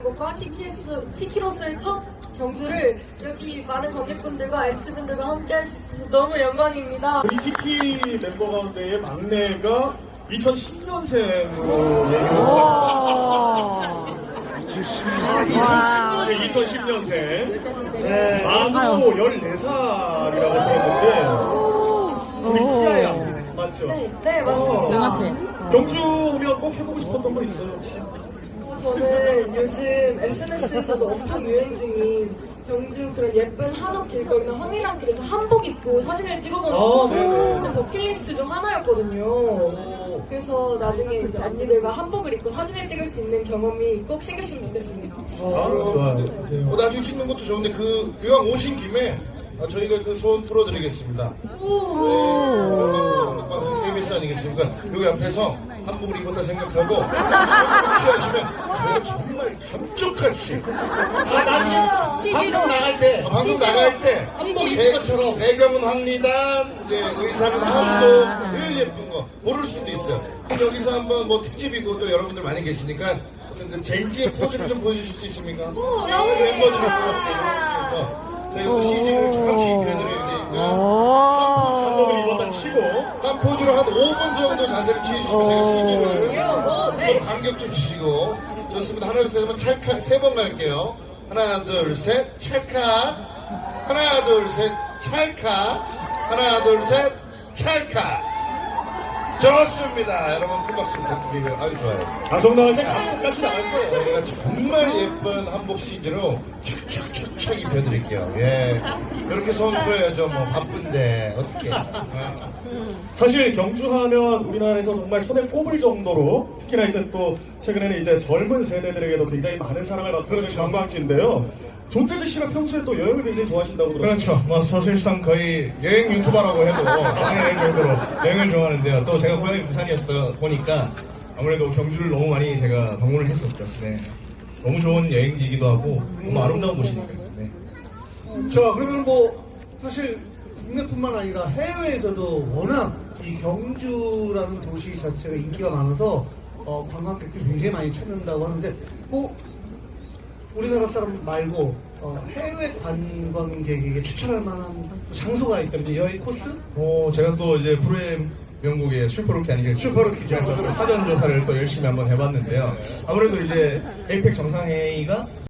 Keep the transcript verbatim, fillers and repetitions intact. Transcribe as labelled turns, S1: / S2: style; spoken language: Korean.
S1: 뭔가 티키스, 티키로스의 첫 경주를 여기 많은 관객분들과 엠씨분들과 함께 할 수 있어서 너무 영광입니다.
S2: 우리 키키 멤버 가운데의 막내가 이천십 년생으로 얘기를 했어요. 이천십 년생. 나도 열네 살이라고 들었는데, 우리 키아 양, 맞죠?
S1: 네, 네 맞습니다.
S2: 어, 경주 오면 꼭 해보고 싶었던 거 있어요, 혹시?
S1: 어, 저는 요즘 에스엔에스에서도 엄청 유행 중인 경주 그런 예쁜 한옥 길거리나 황리단길에서 한복 입고 사진을 찍어보는
S2: 아, 네네.
S1: 게 버킷리스트 중 하나였거든요. 그래서 나중에 이제 언니들과 한복을 입고 사진을 찍을 수 있는 경험이 꼭 생겼으면 좋겠습니다.
S2: 아, 좋아요.
S3: 뭐 나중에 찍는 것도 좋은데 그 이왕 오신 김에 아, 저희가 그 소원 풀어드리겠습니다. 네, 방송 케이비에스 아니겠습니까? 여기 앞에서 한복을 입었다 생각하고 취하시면 저희가 정말 감쪽같이
S2: 아, 방송 나갈 때.
S3: 방송 나갈 때
S2: 한복 입은 것처럼.
S3: 배경은 황리단, 이제 의상은 한복, 제일 예쁜 거 고를 수도 있어요. 여기서 한번 뭐 특집이고 또 여러분들 많이 계시니까 어떤 그 젠지의 포즈를 좀 보여주실 수 있습니까?
S1: 너무
S3: 멤버들이
S1: 좋습니다.
S3: 그래서 저희가 또 씨지를 정확히 입혀드려야 되니까
S2: 한복을 입었다 치고.
S3: 한 포즈로 한 오 분 정도 자세를 취해주시면 제가 씨지를
S1: 어, 네.
S3: 간격 좀 주시고. 좋습니다. 하나 둘 셋 하면 찰칵 세 번 갈게요. 하나 둘 셋 찰칵. 하나 둘 셋 찰칵. 하나 둘 셋 찰칵. 좋습니다. 여러분 큰 박수 부탁드리고요. 아주 좋아요.
S2: 방송 나갈 때 감독까지 나갈 거예요.
S3: 저희가 정말 예쁜 한복 씨지로 촥촥촥촥 입혀드릴게요. 예. 이렇게 소원 풀어야죠. 뭐 바쁜데 어떻게?
S2: 사실 경주하면 우리나라에서 정말 손에 꼽을 정도로 특히나 이제 또 최근에는 이제 젊은 세대들에게도 굉장히 많은 사랑을 받고 있는 관광지인데요. 조태주 씨가 평소에 또 여행을 굉장히 좋아하신다고 들었어요.
S4: 그렇죠. 뭐 사실상 거의 여행 유튜버라고 해도 과언일 정도로 여행을 좋아하는데요. 또 제가 고향이 부산이었어 보니까 아무래도 경주를 너무 많이 제가 방문을 했었죠. 네. 너무 좋은 여행지이기도 하고 너무 아름다운 곳이니까요. 네.
S5: 자, 그러면 뭐 사실 국내뿐만 아니라 해외에서도 워낙 이 경주라는 도시 자체가 인기가 많아서 어, 관광객들이 굉장히 많이 찾는다고 하는데 뭐 우리나라 사람 말고 어, 해외 관광객에게 추천할 만한 장소가 있다면 여행 코스?
S4: 어, 제가 또 이제 프로의 명곡의 슈퍼로키 아니겠습니까?
S5: 슈퍼로키죠.
S4: 그래서 또 사전 조사를 또 열심히 한번 해봤는데요. 아무래도 이제 에이펙 정상회의가